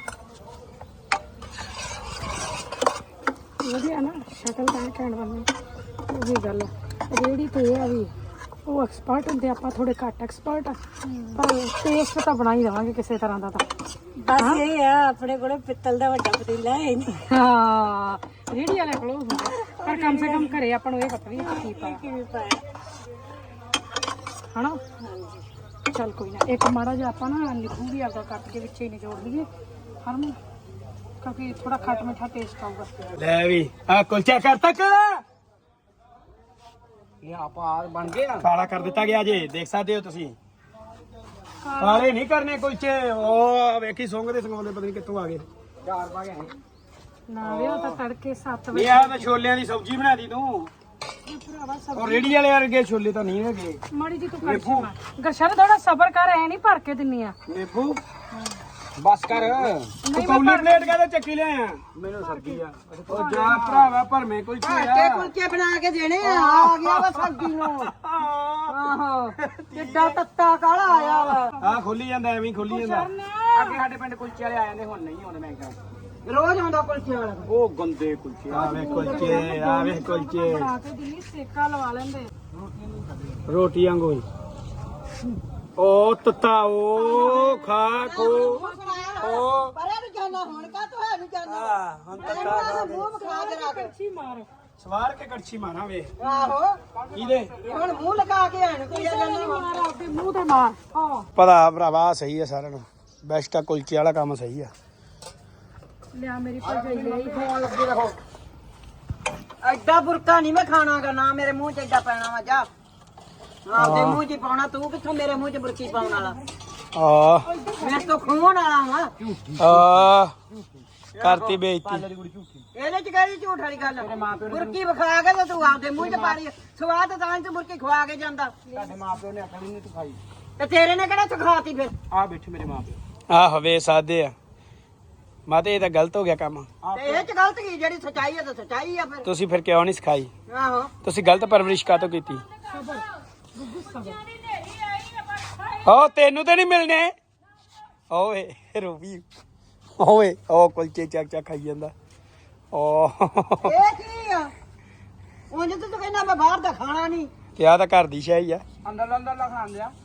Speaker 3: ਵਧੀਆ ਨਾ ਸ਼ਕਲ ਤਾਂ ਕਹਿਣ ਵਾਲੀ ਉਹੀ ਗੱਲ ਰੇੜੀ ਤੇ ਇਹ ਆ ਵੀ ਉਹ ਐਕਸਪਰਟ ਹੁੰਦੇ, ਆਪਾਂ ਥੋੜੇ ਘੱਟ ਐਕਸਪਰਟ ਆ, ਪਰ ਟੇਸਟ ਤਾਂ ਬਣਾ ਹੀ ਦੇਵਾਂਗੇ ਕਿਸੇ ਤਰ੍ਹਾਂ ਦਾ ਤਾਂ।
Speaker 4: ਬਸ ਇਹ ਆ ਆਪਣੇ ਕੋਲ ਪਿੱਤਲ ਦਾ ਵੱਡਾ ਪਤੀਲਾ ਹੈ ਨਹੀਂ
Speaker 3: ਹਾਂ ਰੇੜੀ ਵਾਲੇ ਕੋਲ ਹੁੰਦਾ, ਪਰ ਕਮ ਸੇ ਕਮ ਘਰੇ ਆਪਾਂ ਨੂੰ ਇਹ ਪਤਾ ਵੀ ਇਹ 'ਚ ਕੀ ਪਾਇਆ
Speaker 4: ਕਿਵੇਂ ਪਾਇਆ।
Speaker 3: ਹਨਾ। ਚੱਲ ਕੋਈ ਨਾ ਇੱਕ ਮਾੜਾ ਜਿਹਾ ਆਪਾਂ ਨਾ ਨਿੰਬੂ ਵੀ ਆਪਦਾ ਕੱਟ ਕੇ ਵਿੱਚ ਹੀ ਨਿਚੋੜ ਲਈਏ ਹਰਮਨ, ਕਿਉਂਕਿ ਥੋੜਾ ਖੱਟ ਮਿੱਠਾ ਟੇਸਟ ਆਊਗਾ।
Speaker 1: ਲੈ ਵੀ ਆ ਕੁਲਚਾ ਕਰ ਤੱਕ
Speaker 2: ਇਹ ਆਪਾਂ ਬਣ ਗਏ ਆ
Speaker 1: ਕਾਲਾ ਕਰ ਦਿੱਤਾ ਗਿਆ ਜੇ, ਦੇਖ ਸਕਦੇ ਹੋ ਤੁਸੀਂ। ਕਾਲੇ ਨਹੀਂ ਕਰਨੇ ਕੁਲਚੇ। ਉਹ ਵੇਖੀ ਸੁੰਘ ਦੇ ਸੰਗਾਉਂਦੇ ਪਤਾ ਨਹੀਂ ਕਿੱਥੋਂ ਆ ਗਏ।
Speaker 2: ਚਾਰ ਪਾ ਗਏ
Speaker 3: ਨਾ ਵੇ ਉਹ ਤਾਂ ਤੜਕੇ ਸੱਤ
Speaker 1: ਇਹ
Speaker 3: ਵਜੇ
Speaker 1: ਆ ਤਾਂ ਛੋਲਿਆਂ ਦੀ ਸਬਜ਼ੀ ਬਣਾ ਦੀ ਤੂੰ।
Speaker 3: ਭਰਾਵਾ ਸਭ
Speaker 1: ਉਹ ਰੇੜੀ ਵਾਲੇ ਵਰਗੇ ਛੋਲੇ ਤਾਂ ਨਹੀਂ ਹੈਗੇ।
Speaker 3: ਮਾੜੀ ਜੀ ਤੂੰ ਕੜਛੀ ਮਾਰ ਗਰਸ਼ਨ ਥੋੜਾ ਸਬਰ ਕਰ, ਐ ਨਹੀਂ ਭਰ ਕੇ ਦਿੰਨੀ ਆ।
Speaker 1: ਨਿੰਬੂ
Speaker 2: ਬਸ ਕਰ
Speaker 1: ਤੂੰ ਕੌਲੀ ਪਲੇਟ ਕਾਹਦੇ ਚੱਕੀ ਲਿਆ? ਮੈਨੂੰ ਸਬਜ਼ੀ ਆ। ਉਹ ਜਾ ਭਰਾਵਾ ਭਰਵੇਂ ਕੁਲਚੇ
Speaker 2: ਤੇ
Speaker 1: ਆ।
Speaker 2: ਕੁਲਚੇ ਬਣਾ ਕੇ ਦੇਣੇ ਆ ਆ ਗਿਆ ਵਾ ਸਬਜ਼ੀ ਨੂੰ। ਆਹੋ ਕਿੱਡਾ ਤੱਤਾ ਕਾਲਾ ਆਇਆ ਵਾ।
Speaker 1: ਆ ਖੋਲੀ ਜਾਂਦਾ ਐਵੇਂ ਹੀ ਖੋਲੀ ਜਾਂਦਾ।
Speaker 2: ਅੱਗੇ ਸਾਡੇ ਪਿੰਡ ਕੁਲਚੇ ਵਾਲੇ ਆ ਜਾਂਦੇ, ਹੁਣ ਨਹੀਂ ਆਉਂਦੇ। ਮੈਂ ਕਹਾਂ ਰੋਜ਼ ਆਉਂਦਾ ਕੁਲਚੇ ਵਾਲਾ।
Speaker 1: ਉਹ ਗੰਦੇ ਕੁਲਚੇ ਆ ਵੇ ਕੁਲਚੇ ਆ ਵੇ ਕੁਲਚੇ
Speaker 3: ਬਣਾ ਕੇ ਦਿੰਨੀ, ਸੇਕਾ ਲਵਾ ਲੈਂਦੇ।
Speaker 1: ਰੋਟੀ ਵਾਂਗੂ ਹੀ। ਉਹ ਤੱਤਾ ਉਹ ਖਾ ਖੋ ਉਹ
Speaker 2: ਪਰੇ ਨੂੰ ਜਾਣਾ ਹੁਣ ਕਾ ਤੂੰ ਹੈ ਨੂੰ ਜਾਣਾ
Speaker 1: ਆ ਹੁਣ ਤੱਤਾ ਖਾ ਕੇ।
Speaker 2: ਮੂੰਹ ਖਾ ਕੇ ਰੱਖ।
Speaker 3: ਕੜਛੀ ਮਾਰ
Speaker 1: ਸਵਾਰ ਕੇ ਕੜਛੀ ਮਾਰਾਂ ਵੇ
Speaker 2: ਆਹੋ
Speaker 1: ਇਹਦੇ
Speaker 2: ਹੁਣ ਮੂੰਹ ਲਗਾ ਕੇ ਆਣ ਕੋਈ
Speaker 3: ਨਹੀਂ ਮਾਰ ਆਪਦੇ ਮੂੰਹ ਤੇ ਮਾਰ। ਹਾਂ
Speaker 1: ਪਤਾ ਭਰਾਵਾ ਸਹੀ ਆ ਸਾਰਿਆਂ ਨੂੰ। ਬੈਸਟ ਆ ਕੁਲਚੇ ਵਾਲਾ ਕੰਮ ਸਹੀ ਆ।
Speaker 3: ਲਿਆ ਮੇਰੀ ਭਰਜਾਈ ਲਈ
Speaker 2: ਫੋਨ ਲੱਗੇ ਰਹੋ। ਐਡਾ ਬੁਰਕਾ ਨਹੀਂ ਮੈਂ ਖਾਣਾਗਾ, ਨਾ ਮੇਰੇ ਮੂੰਹ 'ਚ ਐਡਾ ਪੈਣਾ ਵਾ। ਜਾ ਆਪਦੇ ਮੂੰਹ 'ਚ ਹੀ ਪਾਉਣਾ। ਤੂੰ ਕਿੱਥੋਂ ਮੇਰੇ ਮੂੰਹ 'ਚ ਬੁਰਕੀ ਪਾਉਣ ਵਾਲਾ?
Speaker 1: ਆ
Speaker 2: ਮੈਂ ਤਾਂ ਖੂਨ ਵਾਲਾ ਵਾਂ।
Speaker 1: ਆ ਕਰਤੀ ਬੇਇੱਜ਼ਤੀ।
Speaker 2: ਇਹਦੇ 'ਚ ਕਿਹੜੀ ਝੂਠ ਵਾਲੀ ਗੱਲ? ਬੁਰਕੀ ਵਿਖਾ ਕੇ ਤੇ ਤੂੰ ਆਪਦੇ ਮੂੰਹ 'ਚ ਪਾ ਲਈ। ਸਵਾਦ ਤਾਂ ਤੂੰ ਬੁਰਕੀ ਖਵਾ ਕੇ ਜਾਂਦਾ।
Speaker 5: ਤੁਹਾਡੇ ਮਾਪਿਓ ਨੇ ਆਖਿਆ ਨਹੀਂ ਤੂੰ ਖਾਈ।
Speaker 2: ਤੇ ਤੇਰੇ ਨੇ ਕਿਹੜਾ ਸਿਖਾਤੀ ਫਿਰ?
Speaker 5: ਆ ਬੈਠੇ ਮੇਰੇ ਮਾਪਿਓ।
Speaker 1: ਆਹ ਵੇ ਸਾਦੇ ਆ ਮਾਤੇ, ਇਹ ਤਾਂ ਗਲਤ ਹੋ ਗਿਆ ਕੰਮ।
Speaker 2: ਤੇ ਇਹ 'ਚ ਗਲਤ ਕੀ? ਜਿਹੜੀ ਸਚਾਈ ਆ ਤਾਂ ਸਚਾਈ ਆ ਫਿਰ।
Speaker 1: ਤੁਸੀਂ ਫਿਰ ਕਿਉਂ ਨਹੀਂ ਸਿਖਾਈ?
Speaker 2: ਆਹੋ
Speaker 1: ਤੁਸੀਂ ਗਲਤ ਪਰਵਰਿਸ਼ ਕਾਹਤੋਂ ਕੀਤੀ? ਓ ਤੈਨੂੰ ਤੇ ਨਹੀਂ ਮਿਲਨੇ। ਓਏ ਰੂਬੀ ਓਏ ਉਹ ਕੁਲਚੇ ਚੱਕ ਚੱਕ ਖਾਈ ਜਾਂਦਾ। ਓ
Speaker 2: ਇਹ ਕੀ ਆ? ਉਂਝ ਤੇ ਤੂੰ ਕਹਿੰਦਾ ਮੈਂ ਬਾਹਰ ਦਾ ਖਾਣਾ ਨਹੀਂ।
Speaker 1: ਕਿਹਾ ਤਾਂ ਘਰ ਦੀ ਸ਼ਾਹੀ ਆ।
Speaker 2: ਅੰਦਰ ਅੰਦਰ ਲਾ ਖਾਣ ਲਿਆ।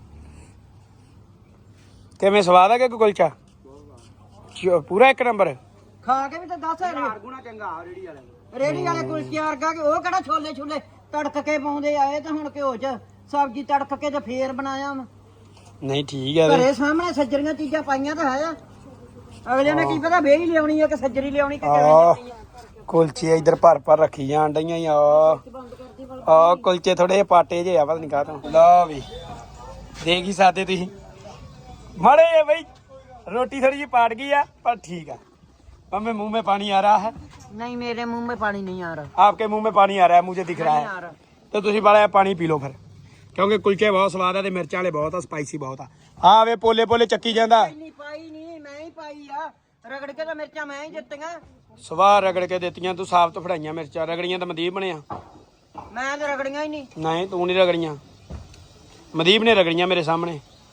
Speaker 1: ਕਿਵੇਂ ਸਵਾਦ ਆ ਕਿ ਕੁਲਚਾ? ਚ- ਪੂਰਾ ਇੱਕ ਨੰਬਰ।
Speaker 2: ਖਾ ਕੇ ਵੀ ਤਾਂ ਦੱਸ
Speaker 5: ਗੁਣਾ ਚੰਗਾ ਆ ਰੇੜੀ ਵਾਲੇ
Speaker 2: ਰੇੜੀ ਵਾਲੇ ਕੁਲਚੇ ਵਰਗਾ ਕਿ ਉਹ ਕਿਹੜਾ ਛੋਲੇ ਛੋਲੇ ਤੜਕ ਕੇ ਪਾਉਂਦੇ ਆ। ਇਹ ਤਾਂ ਹੁਣ ਘਿਓ 'ਚ ਸਬਜ਼ੀ ਤੜਕ ਕੇ ਤੇ ਫੇਰ ਬਣਾਇਆ ਵਾ।
Speaker 1: ਨਹੀਂ ਠੀਕ ਹੈ ਵੇ।
Speaker 2: ਘਰੇ ਸਾਹਮਣੇ ਸੱਜਰੀਆਂ ਚੀਜ਼ਾਂ ਪਾਈਆਂ ਤਾਂ ਹੈ ਆ। ਅਗਲੇ ਨੇ ਕੀ ਪਤਾ ਵੇਹੀ ਲਿਆਉਣੀ ਆ ਕਿ ਸੱਜਰੀ ਲਿਆਉਣੀ ਕਿ ਕਿਵੇਂ
Speaker 1: ਆ
Speaker 2: ਲਿਆਉਣੀ ਆ।
Speaker 1: ਕੁਲਚੇ ਇੱਧਰ ਭਰ ਭਰ ਰੱਖੀ ਜਾਣ ਡਈਆਂ ਈ। ਆ ਆ ਕੁਲਚੇ ਥੋੜੇ ਜਿਹੇ ਪਾਟੇ ਜਿਹੇ ਆ, ਪਤਾ ਨਹੀਂ ਕਾਹਤੋਂ। ਲਓ ਵੀ ਦੇਖ ਹੀ ਸਕਦੇ ਤੁਸੀਂ ਮਾੜੇ ਆ ਬਈ। ਰੋਟੀ ਥੋੜੀ ਜਿਹੀ ਪਾਟ ਗਈ ਆ ਪਰ ਠੀਕ ਆ। हमें मुंह में पानी आ रहा है।
Speaker 2: नहीं मेरे मुंह में पानी नहीं आ रहा।
Speaker 1: आपके मुंह में पानी आ रहा है, मुझे दिख रहा
Speaker 2: नहीं आ
Speaker 1: है।
Speaker 2: रहा।
Speaker 1: तो तुसी बाला पानी पी लो फिर, क्योंकि कुलचे बहुत स्वाद है, मिर्चा वाले बहुत है, स्पाइसी बहुत है। हाँ वे पोले पोले चक्की जांदा।
Speaker 2: नहीं पाई नहीं, मैं ही पाई आ। रगड़ के तो मिर्चा मैं ही दित्तियां।
Speaker 1: सवाह रगड़ के देतियां तू, साफ तो फड़ाइयां मिर्चा, रगड़ियां तो मदीप ने आ।
Speaker 2: मैं तो रगड़ियां ही नहीं।
Speaker 1: नहीं तू नहीं रगड़ियां, मदीप ने रगड़ियां मेरे सामने।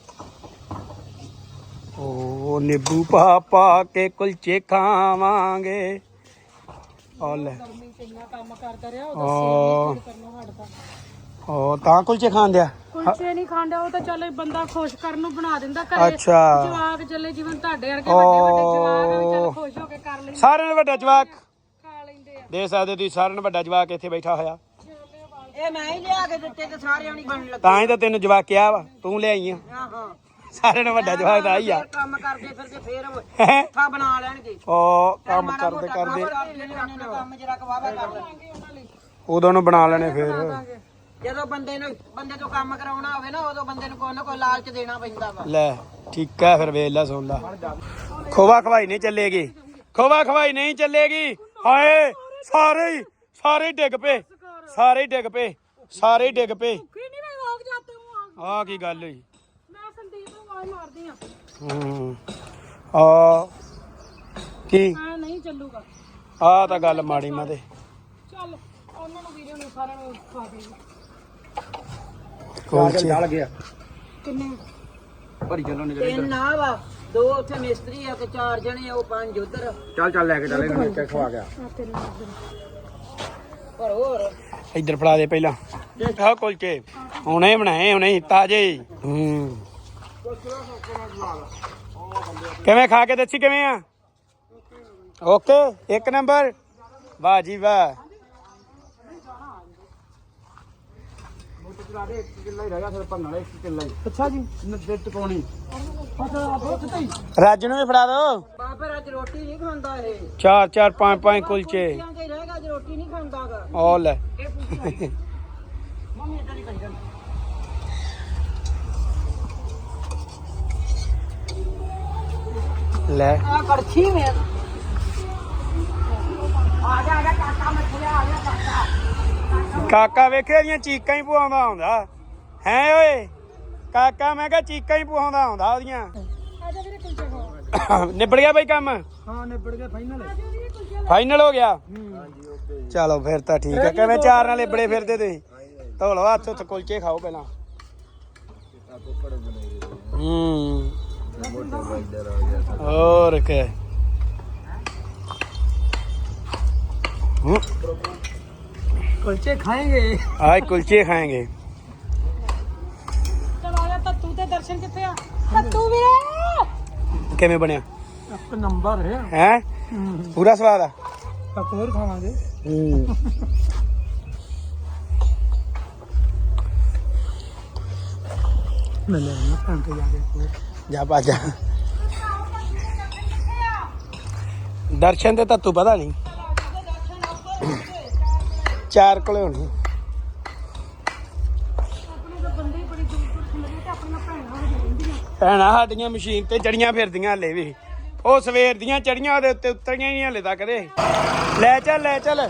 Speaker 1: ओ नींबू पा पा के कुलचे खावांगे। और ले
Speaker 3: ਕੰਮ ਕਰਦਾ ਰਿਹਾ
Speaker 1: ओ
Speaker 3: ਉਹ ਕਰਨੋਂ ਹਟਦਾ।
Speaker 1: ओ ਤਾਂ ਕੁਲਚੇ ਖਾਣ ਦਿਆ।
Speaker 3: ਕੁਲਚੇ ਨਹੀਂ ਖਾਂਦਾ ਉਹ ਤਾਂ ਚੱਲ ਬੰਦਾ ਖੁਸ਼ ਕਰਨ ਨੂੰ ਬਣਾ ਦਿੰਦਾ ਘਰੇ।
Speaker 1: ਅੱਛਾ।
Speaker 3: ਜਵਾਕ ਚੱਲੇ ਜਿਵੇਂ ਤੁਹਾਡੇ ਵਰਗੇ ਵੱਡੇ ਵੱਡੇ ਜਵਾਕ ਆ ਵੀ ਚੱਲ ਖੁਸ਼ ਹੋ ਕੇ ਕਰ ਲੈਂਦੇ,
Speaker 1: ਸਾਰਿਆਂ ਨੂੰ ਵੱਡਾ ਜਵਾਕ
Speaker 3: ਖਾ ਲੈਂਦੇ ਆ।
Speaker 1: ਦੇ ਸਕਦੇ ਤੁਸੀਂ, ਸਾਰਿਆਂ ਨੂੰ ਵੱਡਾ ਜਵਾਕ ਇੱਥੇ ਬੈਠਾ ਹੋਇਆ।
Speaker 2: ਇਹ ਮੈਂ ਹੀ ਲਿਆ ਕੇ ਦਿੱਤੇ ਤੇ ਸਾਰਿਆਂ ਨੂੰ ਬਣਨ ਲੱਗੇ।
Speaker 1: ਤਾਂ ਹੀ ਤਾਂ ਤੈਨੂੰ ਜਵਾਕ ਕਿਹਾ ਵਾ, ਤੂੰ ਲਿਆਈ ਆ।
Speaker 2: ਆਹੋ
Speaker 1: ਸਾਰਿਆਂ ਨੂੰ ਵੱਡਾ ਜਵਾਕ ਤਾਂ ਆਈ ਆ।
Speaker 2: ਫੇਰ ਕੰਮ ਕਰਦੇ ਫਿਰਦੇ ਫੇਰ
Speaker 1: ਹੈਂ?
Speaker 2: ਥਾ ਬਣਾ ਲੈਣਗੇ।
Speaker 1: ਉਹ ਕੰਮ
Speaker 2: ਮਾੜਾ
Speaker 1: ਕਰਦੇ
Speaker 2: ਮੋਟਾ
Speaker 1: ਕਰਦੇ
Speaker 2: ਕੰਮ ਜਰਾ ਕਵਾਵਾ ਕਰ ਲੈਣਗੇ।
Speaker 1: ਉਦੋਂ ਨੂੰ ਬਣਾ ਲੈਣੇ ਫੇਰ।
Speaker 2: ਜਦੋਂ ਬੰਦੇ ਨੂੰ ਬੰਦੇ ਤੋਂ ਕੰਮ ਕਰਾਉਣਾ ਹੋਵੇ ਨਾ, ਉਦੋਂ ਬੰਦੇ ਨੂੰ ਕੋਈ ਨਾ ਕੋਈ ਲਾਲਚ ਦੇਣਾ ਪੈਂਦਾ ਵਾ।
Speaker 1: ਲੈ ਠੀਕ ਹੈ ਫਿਰ, ਵੇਖ ਲੈ ਸੁਣ ਲੈ। ਖੋਵਾ ਖਵਾਈ ਨਹੀਂ ਚੱਲੇਗੀ, ਖੋਵਾ ਖਵਾਈ ਨਹੀਂ ਚੱਲੇਗੀ। ਹਾਏ ਸਾਰੇ ਹੀ ਸਾਰੇ ਹੀ ਡਿੱਗ ਪਏ, ਸਾਰੇ ਹੀ ਡਿੱਗ ਪਏ, ਸਾਰੇ ਹੀ ਡਿੱਗ ਪਏ।
Speaker 3: ਕੀ ਨਹੀਂ ਮੈਂ ਵਾਗ ਜਾਤੇ ਹੂੰ।
Speaker 1: ਆਹ ਕੀ ਗੱਲ ਹੋਈ?
Speaker 3: ਮੈਂ ਸੰਦੀਪ ਨੂੰ ਆਵਾਜ਼ ਮਾਰਦੀ ਆ।
Speaker 1: ਹੂੰ ਆ ਕੀ
Speaker 3: ਆ ਨਹੀਂ ਚੱਲੂਗਾ।
Speaker 1: ਆ ਤਾਂ ਗੱਲ ਮਾੜੀ ਮੈਂ ਤੇ
Speaker 3: ਚੱਲ ਉਹਨਾਂ ਨੂੰ ਵੀਡੀਓ ਨੂੰ ਸਾਰਿਆਂ ਨੂੰ ਖਵਾ ਦੇਈਏ।
Speaker 1: ਕੁਲਚੇ
Speaker 5: ਚੱਲ ਗਿਆ
Speaker 3: ਕਿੰਨੇ
Speaker 5: ਭਰੀ ਚੱਲੋ ਨੇ
Speaker 2: ਤਿੰਨ ਆ ਵਾ, ਦੋ ਉੱਥੇ ਮਿਸਤਰੀ ਆ ਤੇ ਚਾਰ ਜਣੇ ਉਹ ਪੰਜ ਉਧਰ।
Speaker 5: ਚੱਲ ਚੱਲ ਲੈ ਕੇ ਚੱਲ ਇਹਨਾਂ ਨੂੰ ਖਵਾ ਗਿਆ
Speaker 3: ਆ ਤਿੰਨ ਇੱਧਰ।
Speaker 2: ਪਰ ਹੋਰ
Speaker 1: ਇੱਧਰ ਫੜਾ ਦੇ ਪਹਿਲਾਂ ਆਹ ਕੁਲਚੇ ਹੁਣੇ ਬਣਾਏ ਹੁਣੇ ਤਾਜ਼ੇ ਹੀ। ਹੂੰ ਕਿਵੇਂ ਖਾ ਕੇ ਦੱਸੀ ਕਿਵੇਂ ਆ? ਓਕੇ ਇੱਕ ਨੰਬਰ। ਵਾਹ ਜੀ ਵਾਹ।
Speaker 5: ਅੱਛਾ ਜੀ ਨੱਦੇ ਟਪਾਉਣੀ
Speaker 1: ਰਾਜੂ ਨੂੰ ਵੀ ਫੜਾ ਦੋ।
Speaker 2: ਬਾਬਰ ਅੱਜ ਰੋਟੀ ਨਹੀਂ ਖਾਂਦਾ ਇਹ।
Speaker 1: ਚਾਰ ਚਾਰ ਪੰਜ ਪੰਜ ਕੁਲਚੇ
Speaker 2: ਕੁਲਚਿਆਂ ਤੇ ਰਹੇਗਾ ਅੱਜ ਰੋਟੀ ਨਹੀਂ ਖਾਂਦਾਗਾ।
Speaker 1: ਉਹ ਲੈ
Speaker 2: ਇਹ ਪੁੱਛਿਆ ਮੰਮੀ ਇਦਾਂ ਨਹੀਂ ਕਰੀ
Speaker 1: ਲੈ
Speaker 2: ਆ ਕੜਛੀ ਮੇ ਆ ਜਾ ਆ ਜਾ ਕਾਕਾ ਮੱਛਿਆ ਆ ਜਾ ਕਾਕਾ।
Speaker 1: ਕਾਕਾ ਵੇਖੇ ਦੀਆਂ ਚੀਕਾਂ ਹੀ ਪਵਾਉਂਦਾ ਆਉਂਦਾ ਹੈ ਓਏ। ਕਾਕਾ ਮੈਂ ਕਿਹਾ ਚੀਕਾਂ ਹੀ ਪਵਾਉਂਦਾ ਆਉਂਦਾ ਉਹਦੀਆਂ।
Speaker 3: ਆ ਜਾ ਵੀਰੇ ਕੁਲਚੇ ਖਾ।
Speaker 1: ਨਿਬੜ ਗਿਆ ਬਈ ਕੰਮ?
Speaker 5: ਹਾਂ ਨਿਬੜ ਗਿਆ ਫਾਈਨਲ
Speaker 1: ਫਾਈਨਲ ਹੋ ਗਿਆ। ਚਲੋ ਫਿਰ ਤਾਂ ਠੀਕ ਹੈ। ਕਿਵੇਂ ਚਾਰ ਨਾਲ ਲਿਬੜੇ ਫਿਰਦੇ ਤੁਸੀਂ? ਧੋ ਲਓ ਹੱਥ ਉੱਥੇ ਕੁਲਚੇ ਖਾਓ ਪਹਿਲਾਂ। ਹੂੰ ਹੋਰ ਕੀ
Speaker 2: ਕੁਲਚੇ ਖਾਏਂਗੇ।
Speaker 1: आज कुलचे खाएंगे।
Speaker 3: ਚਲ ਆ ਜਾ ਤੱਤੂ ਤੇ ਦਰਸ਼ਨ ਕਿੱਥੇ ਆ? ਤੱਤੂ ਵੀਰੇ
Speaker 1: किवें बनया
Speaker 2: ਇੱਕ ਨੰਬਰ ਹੈ।
Speaker 1: हैं? पूरा स्वाद आ?
Speaker 2: ਆਪਾਂ ਹੋਰ ਖਾਵਾਂਗੇ। ਮੈਂ ਲੈ ਨਾ ਖਾਣ ਕੇ ਜਾ ਕੇ
Speaker 1: जा बाजा दर्शन दे तू पता नहीं चार कोले होनी।
Speaker 3: ਆਪਣੇ ਤਾਂ ਬੰਦੇ ਹੀ ਬੜੀ ਦੂਰ ਦੂਰ ਤੋਂ ਮਿਲੇ ਤੇ ਆਪਣੀਆਂ ਭੈਣਾਂ ਹੋ ਜਾਂਦੀਆਂ।
Speaker 1: ਭੈਣਾਂ ਸਾਡੀਆਂ ਮਸ਼ੀਨ ਤੇ ਚੜੀਆਂ ਫਿਰਦੀਆਂ ਹਲੇ ਵੀ। ਉਹ ਸਵੇਰ ਦੀਆਂ ਚੜੀਆਂ ਉਹਦੇ ਉੱਤੇ ਉਤਰੀਆਂ ਹੀ ਹਲੇ ਤੱਕ ਦੇ। ਲੈ ਚੱਲ ਲੈ ਚੱਲ।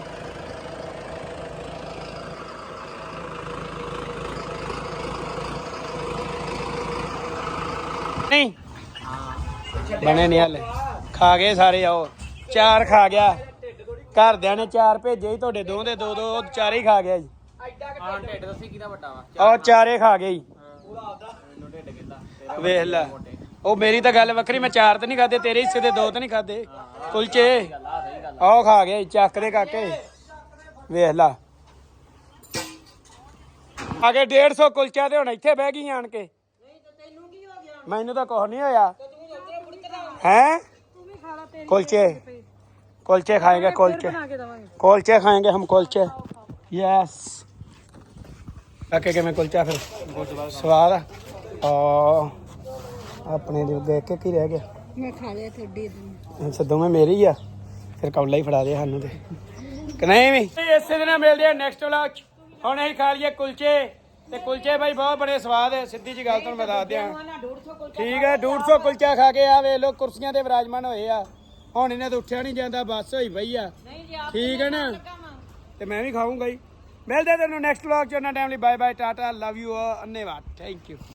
Speaker 1: ਨਹੀਂ ਬਣੇ ਨਹੀਂ ਹਲੇ। ਖਾ ਗਏ ਸਾਰੇ। ਆਓ ਚਾਰ ਖਾ ਗਿਆ। ਘਰਦਿਆਂ ਨੇ ਚਾਰ ਭੇਜੇ ਸੀ ਤੁਹਾਡੇ ਦੋ ਦੇ ਦੋ ਦੋ ਉਹ ਚਾਰੇ ਹੀ ਖਾ ਗਿਆ ਜੀ।
Speaker 2: ਹਾਂ ਢਿੱਡ ਦੱਸੀ ਕਿਹਦਾ ਵੱਡਾ ਵਾ।
Speaker 1: ਉਹ ਚਾਰੇ ਖਾ ਗਏ ਜੀ। ਵੇਖ ਲੈ ਉਹ ਮੇਰੀ ਤਾਂ ਗੱਲ ਵੱਖਰੀ। ਮੈਂ ਚਾਰ ਤਾਂ ਨਹੀਂ ਖਾਦੇ, ਤੇਰੇ ਹਿੱਸੇ ਦੇ ਦੋ ਤਾਂ ਨਹੀਂ ਖਾਦੇ ਕੁਲਚੇ। ਆਹ ਖਾ ਗਏ ਚੱਕ ਦੇ ਕਾਕੇ। ਵੇਖ ਲਾ ਆ ਕੇ ਡੇਢ ਸੌ ਕੁਲਚਾ ਤੇ ਹੁਣ ਇੱਥੇ ਬਹਿ ਗਈ ਆਣ ਕੇ। ਮੈਨੂੰ ਤਾਂ ਕੁਛ ਨਹੀਂ ਹੋਇਆ ਹੈ।
Speaker 3: ਤੂੰ ਵੀ ਖਾ ਲਾ ਤੇਰੀ
Speaker 1: कुलचे कुलचे खाएंगे कुलचे
Speaker 3: ਬਣਾ ਕੇ ਦਵਾਂਗੇ।
Speaker 1: कुलचे खाएंगे हम कुलचे। यस काके के मैं कुलचा फिर स्वाद आ अपने दिल देख के की रह गया।
Speaker 3: ਮੈਂ ਖਾ ਲਿਆ ਤੁਹਾਡੀ ਦਿਨ।
Speaker 1: ਸਦੋਂ ਮੈਂ ਮੇਰੀ ਆ ਫਿਰ ਕੌਲਾ ਹੀ ਫੜਾ ਦੇ ਸਾਨੂੰ ਤੇ ਕਿ ਨਹੀਂ ਵੀ। ਇਸੇ ਦਿਨ ਮਿਲਦੇ ਆ ਨੈਕਸਟ ਵਲੌਗ ਚ। ਹੁਣ ਅਸੀਂ ਖਾ ਲਈਏ ਕੁਲਚੇ ਤੇ ਕੁਲਚੇ ਬਾਈ ਬਹੁਤ ਬੜੇ ਸਵਾਦ ਹੈ। ਸਿੱਧੀ ਜੀ ਗੱਲ ਤੁਹਾਨੂੰ ਮੈਂ ਦੱਸ ਦਿਆਂ। ਠੀਕ ਹੈ ਡੇਢ ਸੌ ਕੁਲਚਾ ਖਾ ਕੇ ਆ ਵੇਖ ਲੋ ਕੁਰਸੀਆਂ ਤੇ ਵਿਰਾਜਮਾਨ ਹੋਏ ਆ। ਹੁਣ ਇਹਨਾਂ ਤੋਂ ਉੱਠਿਆ ਨਹੀਂ ਜਾਂਦਾ ਬੱਸ ਹੋਈ ਪਈ ਆ। ਠੀਕ ਹੈ ਨਾ ਤੇ ਮੈਂ ਵੀ ਖਾਊਂਗਾ ਹੀ। ਮਿਲਦੇ ਤੈਨੂੰ ਨੈਕਸਟ ਵਲੌਗ ਚ। ਉਹਨਾਂ ਟਾਈਮ ਲਈ bye bye tata love you ਧੰਨਵਾਦ ਥੈਂਕ ਯੂ।